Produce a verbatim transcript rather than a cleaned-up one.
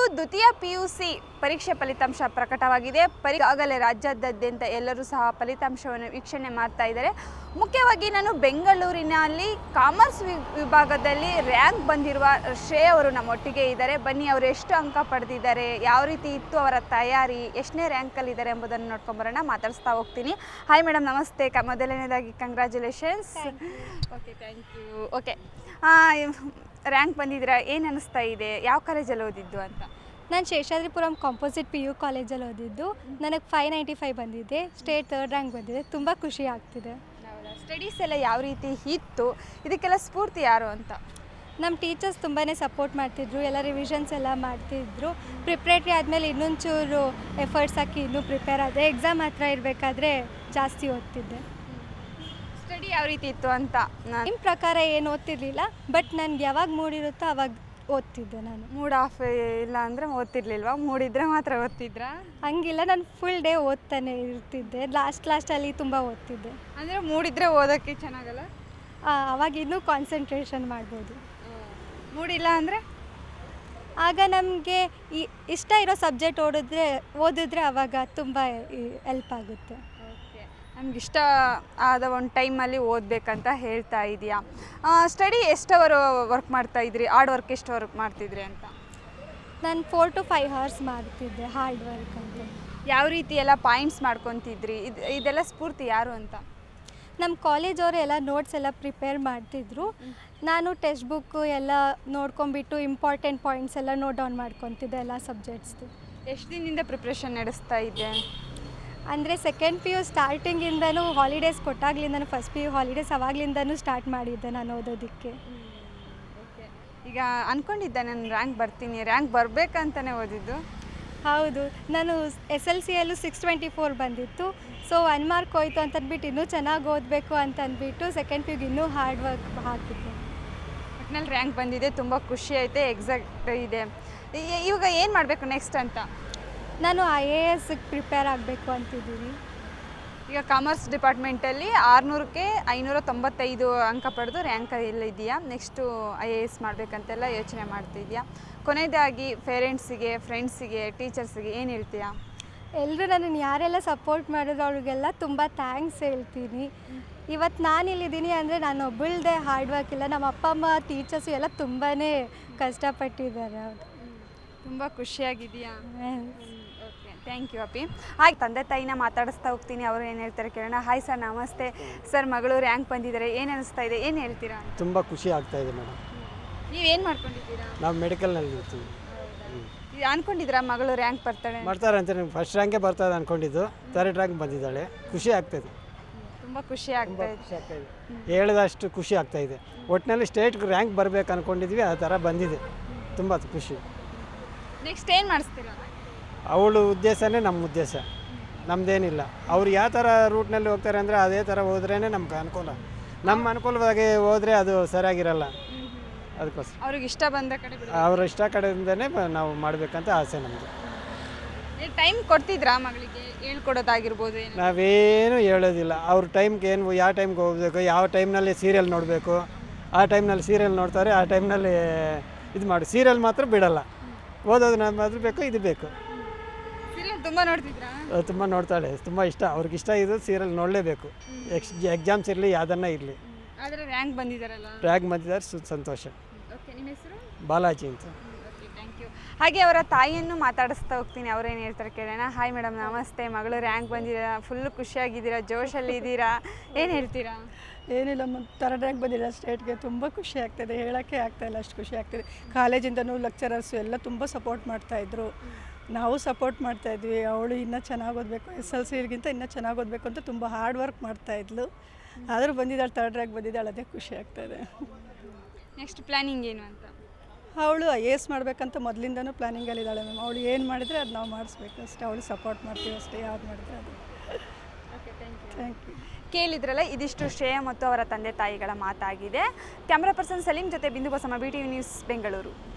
ಇಂದು ದ್ವಿತೀಯ ಪಿಯುಸಿ ಪರೀಕ್ಷೆ ಫಲಿತಾಂಶ ಪ್ರಕಟವಾಗಿದೆ. ಪರಿ ಆಗಲೇ ರಾಜ್ಯಾದ್ಯಂತ ಎಲ್ಲರೂ ಸಹ ಫಲಿತಾಂಶವನ್ನು ವೀಕ್ಷಣೆ ಮಾಡ್ತಾ ಇದ್ದಾರೆ. ಮುಖ್ಯವಾಗಿ ನಾನು ಬೆಂಗಳೂರಿನಲ್ಲಿ ಕಾಮರ್ಸ್ ವಿಭಾಗದಲ್ಲಿ ರ್ಯಾಂಕ್ ಬಂದಿರುವ ಶ್ರೇಯ ಅವರು ನಮ್ಮೊಟ್ಟಿಗೆ ಇದ್ದಾರೆ. ಬನ್ನಿ, ಅವರು ಎಷ್ಟು ಅಂಕ ಪಡೆದಿದ್ದಾರೆ, ಯಾವ ರೀತಿ ಇತ್ತು ಅವರ ತಯಾರಿ, ಎಷ್ಟನೇ ರ್ಯಾಂಕಲ್ಲಿದ್ದಾರೆ ಎಂಬುದನ್ನು ನೋಡ್ಕೊಂಬರೋಣ. ಮಾತಾಡಿಸ್ತಾ ಹೋಗ್ತೀನಿ. ಹಾಯ್ ಮೇಡಮ್, ನಮಸ್ತೆ. ಕ ಮೊದಲನೇದಾಗಿ congratulations. Okay, thank you. Okay, rank ಬಂದಿದ್ದೀರಾ, ಏನು ಅನ್ನಿಸ್ತಾ ಇದೆ? ಯಾವ ಕಾಲೇಜಲ್ಲಿ ಓದಿದ್ದು ಅಂತ? ನಾನು ಶೇಷಾದ್ರಿಪುರಂ ಕಾಂಪೋಸಿಟ್ ಪಿ ಯು ಕಾಲೇಜಲ್ಲಿ ಓದಿದ್ದು. ನನಗೆ ಫೈವ್ ನೈಂಟಿ ಫೈವ್ ಬಂದಿದೆ, ಸ್ಟೇಟ್ ಥರ್ಡ್ ರ್ಯಾಂಕ್ ಬಂದಿದೆ. ತುಂಬ ಖುಷಿ ಆಗ್ತಿದೆ. ಸ್ಟಡೀಸ್ ಎಲ್ಲ ಯಾವ ರೀತಿ ಇತ್ತು, ಇದಕ್ಕೆಲ್ಲ ಸ್ಫೂರ್ತಿ ಯಾರು ಅಂತ? ನಮ್ಮ ಟೀಚರ್ಸ್ ತುಂಬಾ ಸಪೋರ್ಟ್ ಮಾಡ್ತಿದ್ರು, ಎಲ್ಲ ರಿವಿಷನ್ಸ್ ಎಲ್ಲ ಮಾಡ್ತಿದ್ರು. ಪ್ರಿಪ್ರೇಟ್ರಿ ಆದಮೇಲೆ ಇನ್ನೊಂಚೂರು ಎಫರ್ಟ್ಸ್ ಹಾಕಿ ಇನ್ನೂ ಪ್ರಿಪೇರ್ ಆದೆ. ಎಕ್ಸಾಮ್ ಹತ್ರ ಇರಬೇಕಾದ್ರೆ ಜಾಸ್ತಿ ಓದ್ತಿದ್ದೆ. ಸ್ಟಡಿ ಯಾವ ರೀತಿ ಇತ್ತು ಅಂತ? ನಿಮ್ಮ ಪ್ರಕಾರ ಏನು ಓದ್ತಿರ್ಲಿಲ್ಲ, ಬಟ್ ನನಗೆ ಯಾವಾಗ ಮೂಡಿರುತ್ತೋ ಅವಾಗ ಓದ್ತಿದ್ದೆ. ನಾನು ಮೂಡ್ ಆಫ್ ಇಲ್ಲ ಅಂದರೆ ಓದ್ತಿರ್ಲಿಲ್ವಾ? ಮೂಡಿದ್ರೆ ಮಾತ್ರ ಓದ್ತಿದ್ರಾ? ಹಂಗಿಲ್ಲ, ನಾನು ಫುಲ್ ಡೇ ಓದ್ತಾನೆ ಇರ್ತಿದ್ದೆ. ಲಾಸ್ಟ್ ಲಾಸ್ಟಲ್ಲಿ ತುಂಬ ಓದ್ತಿದ್ದೆ. ಅಂದರೆ ಮೂಡಿದ್ರೆ ಓದೋಕ್ಕೆ ಚೆನ್ನಾಗಲ್ಲ, ಅವಾಗ ಇನ್ನೂ ಕಾನ್ಸಂಟ್ರೇಷನ್ ಮಾಡ್ಬೋದು. ಮೂಡಿಲ್ಲ ಅಂದರೆ ಆಗ ನಮಗೆ ಈ ಇಷ್ಟ ಇರೋ ಸಬ್ಜೆಕ್ಟ್ ಓದಿದ್ರೆ ಓದಿದ್ರೆ ಅವಾಗ ತುಂಬ ಹೆಲ್ಪ್ ಆಗುತ್ತೆ. ಓಕೆ, ನಮ್ಗೆ ಇಷ್ಟ ಆದ ಒಂದು ಟೈಮಲ್ಲಿ ಓದಬೇಕಂತ ಹೇಳ್ತಾ ಇದೆಯಾ? ಸ್ಟಡಿ ಎಷ್ಟು ಅವರು ವರ್ಕ್ ಮಾಡ್ತಾ ಇದ್ರಿ? ಹಾರ್ಡ್ ವರ್ಕ್ ಎಷ್ಟು ವರ್ಕ್ ಮಾಡ್ತಿದ್ರಿ ಅಂತ? ನಾನು ಫೋರ್ ಟು ಫೈವ್ ಅವರ್ಸ್ ಮಾಡ್ತಿದ್ದೆ ಹಾರ್ಡ್ ವರ್ಕ್ ಅಂತ. ಯಾವ ರೀತಿ ಎಲ್ಲ ಪಾಯಿಂಟ್ಸ್ ಮಾಡ್ಕೊತಿದ್ರಿ? ಇದು ಇದೆಲ್ಲ ಸ್ಫೂರ್ತಿ ಯಾರು ಅಂತ? ನಮ್ಮ ಕಾಲೇಜವರು ಎಲ್ಲ ನೋಟ್ಸ್ ಎಲ್ಲ ಪ್ರಿಪೇರ್ ಮಾಡ್ತಿದ್ರು. ನಾನು ಟೆಕ್ಸ್ಟ್ ಬುಕ್ಕು ಎಲ್ಲ ನೋಡ್ಕೊಂಬಿಟ್ಟು ಇಂಪಾರ್ಟೆಂಟ್ ಪಾಯಿಂಟ್ಸ್ ಎಲ್ಲ ನೋಟ್ ಡೌನ್ ಮಾಡ್ಕೊತಿದ್ದೆ ಎಲ್ಲ ಸಬ್ಜೆಕ್ಟ್ಸ್ದು. ಎಷ್ಟು ದಿನದಿಂದ ಪ್ರಿಪ್ರೇಷನ್ ನಡೆಸ್ತಾ ಇದ್ದೆ? ಅಂದರೆ ಸೆಕೆಂಡ್ ಪಿ ಯು ಸ್ಟಾರ್ಟಿಂಗಿಂದನೂ ಹಾಲಿಡೇಸ್ ಕೊಟ್ಟಾಗ್ಲಿಂದನೂ ಫಸ್ಟ್ ಪಿ ಯು ಹಾಲಿಡೇಸ್ ಅವಾಗ್ಲಿಂದನೂ ಸ್ಟಾರ್ಟ್ ಮಾಡಿದ್ದೆ ನಾನು ಓದೋದಕ್ಕೆ. ಓಕೆ, ಈಗ ಅಂದ್ಕೊಂಡಿದ್ದೆ ನಾನು ರ್ಯಾಂಕ್ ಬರ್ತೀನಿ, ರ್ಯಾಂಕ್ ಬರಬೇಕಂತಲೇ ಓದಿದ್ದು. ಹೌದು, ನಾನು ಎಸ್ ಎಲ್ ಸಿಯಲ್ಲೂ ಸಿಕ್ಸ್ ಟ್ವೆಂಟಿ ಫೋರ್ ಬಂದಿತ್ತು. ಸೊ ಒನ್ ಮಾರ್ಕ್ ಹೋಯ್ತು ಅಂತಂದ್ಬಿಟ್ಟು ಇನ್ನೂ ಚೆನ್ನಾಗಿ ಓದಬೇಕು ಅಂತ ಅಂದ್ಬಿಟ್ಟು ಸೆಕೆಂಡ್ ಪಿ ಯುಗೆ ಇನ್ನೂ ಹಾರ್ಡ್ ವರ್ಕ್ ಹಾಕಿದ್ದೆ. ಒಟ್ಟಿನಲ್ಲಿ ರ್ಯಾಂಕ್ ಬಂದಿದೆ, ತುಂಬ ಖುಷಿ ಐತೆ. ಎಕ್ಸಾಕ್ಟ್ ಇದೆ. ಇವಾಗ ಏನು ಮಾಡಬೇಕು ನೆಕ್ಸ್ಟ್ ಅಂತ? ನಾನು ಐ ಎ ಎಸ್ಗೆ ಪ್ರಿಪೇರ್ ಆಗಬೇಕು ಅಂತಿದ್ದೀನಿ. ಈಗ ಕಾಮರ್ಸ್ ಡಿಪಾರ್ಟ್ಮೆಂಟಲ್ಲಿ ಆರುನೂರಕ್ಕೆ ಐನೂರ ತೊಂಬತ್ತೈದು ಅಂಕ ಪಡೆದು ರ್ಯಾಂಕ್ ಎಲ್ಲ ಇದೆಯಾ? ನೆಕ್ಸ್ಟು ಐ ಎ ಎಸ್ ಮಾಡಬೇಕಂತೆಲ್ಲ ಯೋಚನೆ ಮಾಡ್ತಿದ್ಯಾ? ಕೊನೆಯದಾಗಿ ಪೇರೆಂಟ್ಸಿಗೆ, ಫ್ರೆಂಡ್ಸಿಗೆ, ಟೀಚರ್ಸಿಗೆ ಏನು ಹೇಳ್ತೀಯಾ? ಎಲ್ಲರೂ ನನ್ನನ್ನು ಯಾರೆಲ್ಲ ಸಪೋರ್ಟ್ ಮಾಡಿದ್ರು ಅವ್ರಿಗೆಲ್ಲ ತುಂಬ ಥ್ಯಾಂಕ್ಸ್ ಹೇಳ್ತೀನಿ. ಇವತ್ತು ನಾನಿಲ್ಲಿದ್ದೀನಿ ಅಂದರೆ ನಾನು ಒಬ್ಬಳದೇ ಹಾರ್ಡ್ ವರ್ಕ್ ಇಲ್ಲ, ನಮ್ಮ ಅಪ್ಪ ಅಮ್ಮ ಟೀಚರ್ಸು ಎಲ್ಲ ತುಂಬಾ ಕಷ್ಟಪಟ್ಟಿದ್ದಾರೆ. ಹೌದು, ತುಂಬ ಖುಷಿಯಾಗಿದೆಯಾ? ಓಕೆ, ಥ್ಯಾಂಕ್ ಯು ಅಪ್ಪಿ. ಹಾಗೆ ತಂದೆ ತಾಯಿನ ಮಾತಾಡಿಸ್ತಾ ಹೋಗ್ತೀನಿ, ಅವರು ಏನು ಹೇಳ್ತಾರೆ ಕೇಳೋಣ. ಹಾಯ್ ಸರ್, ನಮಸ್ತೆ ಸರ್. ಮಗಳು ರ್ಯಾಂಕ್ ಬಂದಿದ್ದಾರೆ, ಏನು ಅನಿಸ್ತಾ ಇದೆ, ಏನು ಹೇಳ್ತೀರಾ? ತುಂಬ ಖುಷಿ ಆಗ್ತಾ ಇದೆ ಮೇಡಮ್. ನೀವೇನು ಮಾಡ್ಕೊಂಡಿದ್ದೀರಾ? ನಾವು ಮೆಡಿಕಲ್ನಲ್ಲಿ ಇರ್ತೀವಿ. ಅಂದ್ಕೊಂಡಿದ್ದೀರಾ ಮಗಳು ರ್ಯಾಂಕ್ ಬರ್ತಾಳೆ ಬರ್ತಾರೆ ಅಂತ? ಫಸ್ಟ್ ರ್ಯಾಂಕೇ ಬರ್ತಾಳೆ ಅಂದ್ಕೊಂಡಿದ್ದು, ಥರ್ಡ್ ರ್ಯಾಂಕ್ ಬಂದಿದ್ದಾಳೆ. ಖುಷಿ ಆಗ್ತಾಯಿದೆ, ತುಂಬ ಖುಷಿ ಆಗ್ತಾ ಇದೆ. ಖುಷಿ ಆಗ್ತಾಯಿದೆ, ಹೇಳಿದಷ್ಟು ಖುಷಿ ಆಗ್ತಾಯಿದೆ. ಒಟ್ಟಿನಲ್ಲಿ ಸ್ಟೇಟ್ ರ್ಯಾಂಕ್ ಬರಬೇಕು ಅಂದ್ಕೊಂಡಿದ್ವಿ, ಆ ಥರ ಬಂದಿದೆ. ತುಂಬ ಖುಷಿ. ನೆಕ್ಸ್ಟ್ ಏನು ಮಾಡಿಸ್ತೀರಾ? ಅವಳು ಉದ್ದೇಶನೇ ನಮ್ಮ ಉದ್ದೇಶ, ನಮ್ಮದೇನಿಲ್ಲ. ಅವ್ರು ಯಾವ ಥರ ರೂಟ್ನಲ್ಲಿ ಹೋಗ್ತಾರೆ ಅಂದರೆ ಅದೇ ಥರ ಹೋದ್ರೇ ನಮ್ಗೆ ಅನುಕೂಲ. ನಮ್ಮ ಅನುಕೂಲವಾಗಿ ಹೋದರೆ ಅದು ಸರಿಯಾಗಿರಲ್ಲ. ಅದಕ್ಕೋಸ್ಕರ ಅವ್ರಿಗೆ ಇಷ್ಟ ಬಂದ ಕಡೆ ಅವ್ರ ಇಷ್ಟ ಕಡೆಯಿಂದನೇ ನಾವು ಮಾಡಬೇಕಂತ ಆಸೆ ನಮ್ಮದು. ಟೈಮ್ ಕೊಡ್ತಿದ್ರಾ ಮಗಳಿಗೆ ಹೇಳ್ಕೊಡೋದಾಗಿರ್ಬೋದು? ನಾವೇನು ಹೇಳೋದಿಲ್ಲ. ಅವ್ರ ಟೈಮ್ಗೆ ಏನು, ಯಾವ ಟೈಮ್ಗೆ ಹೋಗಬೇಕು, ಯಾವ ಟೈಮ್ನಲ್ಲಿ ಸೀರಿಯಲ್ ನೋಡಬೇಕು, ಆ ಟೈಮ್ನಲ್ಲಿ ಸೀರಿಯಲ್ ನೋಡ್ತಾರೆ, ಆ ಟೈಮ್ನಲ್ಲಿ ಇದು ಮಾಡಿ. ಸೀರಿಯಲ್ ಮಾತ್ರ ಬಿಡಲ್ಲ, ಓದೋದು ಮಾತ್ರ ಬೇಕು, ಇದು ಬೇಕು. ಸೀರಿಯಲ್ ತುಂಬ ನೋಡ್ತಿದ್ರಾ? ತುಂಬ ನೋಡ್ತಾಳೆ, ತುಂಬ ಇಷ್ಟ. ಅವ್ರಿಗೆ ಇಷ್ಟ ಇದು ಸೀರಿಯಲ್ ನೋಡಲೇಬೇಕು. ಎಕ್ಸ್ ಎಕ್ಸಾಮ್ಸ್ ಇರಲಿ, ಯಾವುದನ್ನ ಇರಲಿ. ಆದರೆ ರ್ಯಾಂಕ್ ಬಂದಿದ್ದಾರಲ್ಲ? ರ್ಯಾಂಕ್ ಬಂದಿದ್ದಾರೆ, ಸು ಸಂತೋಷ. ಓಕೆ, ನಿಮ್ಮ ಹೆಸರು? ಬಾಲಾಜಿ ಅಂತ. Okay, thank you. ಹಾಗೆ ಅವರ ತಾಯಿಯನ್ನು ಮಾತಾಡಿಸ್ತಾ ಹೋಗ್ತೀನಿ, ಅವ್ರೇನು ಹೇಳ್ತಾರೆ ಕೇಳೋಣ. ಹಾಯ್ ಮೇಡಮ್, ನಮಸ್ತೆ. ಮಗಳು ರ್ಯಾಂಕ್ ಬಂದಿದ್ದೀರಾ, ಫುಲ್ಲು ಖುಷಿಯಾಗಿದ್ದೀರಾ, ಜೋಶಲ್ಲಿ ಇದ್ದೀರಾ, ಏನು ಹೇಳ್ತೀರಾ? ಏನಿಲ್ಲ, ಮತ್ತು ಥರ್ಡ್ ರ್ಯಾಂಕ್ ಬಂದಿಲ್ಲ ಸ್ಟೇಟ್ಗೆ. ತುಂಬ ಖುಷಿ ಆಗ್ತಾಯಿದೆ, ಹೇಳೋಕ್ಕೆ ಆಗ್ತಾಯಿಲ್ಲ, ಅಷ್ಟು ಖುಷಿ ಆಗ್ತಿದೆ. ಕಾಲೇಜಿಂದನೂ ಲೆಕ್ಚರರ್ಸು ಎಲ್ಲ ತುಂಬ ಸಪೋರ್ಟ್ ಮಾಡ್ತಾಯಿದ್ರು, ನಾವು ಸಪೋರ್ಟ್ ಮಾಡ್ತಾಯಿದ್ವಿ. ಅವಳು ಇನ್ನೂ ಚೆನ್ನಾಗಿ ಓದಬೇಕು, ಎಸ್ ಎಲ್ ಸಿಗಿಂತ ಇನ್ನೂ ಚೆನ್ನಾಗಿ ಓದಬೇಕು ಅಂತ ತುಂಬ ಹಾರ್ಡ್ ವರ್ಕ್ ಮಾಡ್ತಾಯಿದ್ಲು. ಆದರೂ ಬಂದಿದ್ದಾಳೆ, ಥರ್ಡ್ ರ್ಯಾಂಕ್ ಬಂದಿದ್ದಾಳೆ, ಅದೇ ಖುಷಿ ಆಗ್ತಾಯಿದೆ. ನೆಕ್ಸ್ಟ್ ಪ್ಲ್ಯಾನಿಂಗ್ ಏನು ಅಂತ? ಅವಳು ಐ ಎ ಎಸ್ ಮಾಡಬೇಕಂತ ಮೊದಲಿಂದನೂ ಪ್ಲ್ಯಾನಿಂಗಲ್ಲಿದ್ದಾಳೆ ಮ್ಯಾಮ್. ಅವಳು ಏನು ಮಾಡಿದರೆ ಅದು ನಾವು ಮಾಡಿಸ್ಬೇಕು ಅಷ್ಟೇ. ಅವಳು ಸಪೋರ್ಟ್ ಮಾಡ್ತೀವಿ ಅಷ್ಟೇ, ಯಾವ್ದು ಮಾಡಿದ್ರೆ ಅದು. Okay, thank you. Thank you. ಕೇಳಿದ್ರಲ್ಲ, ಇದಿಷ್ಟು ಶ್ರೇಯ ಮತ್ತು ಅವರ ತಂದೆ ತಾಯಿಗಳ ಮಾತಾಗಿದೆ. ಕ್ಯಾಮ್ರಾ ಪರ್ಸನ್ ಸಲೀಂ ಜೊತೆ Bindu Basamma, B T V news, Bengaluru.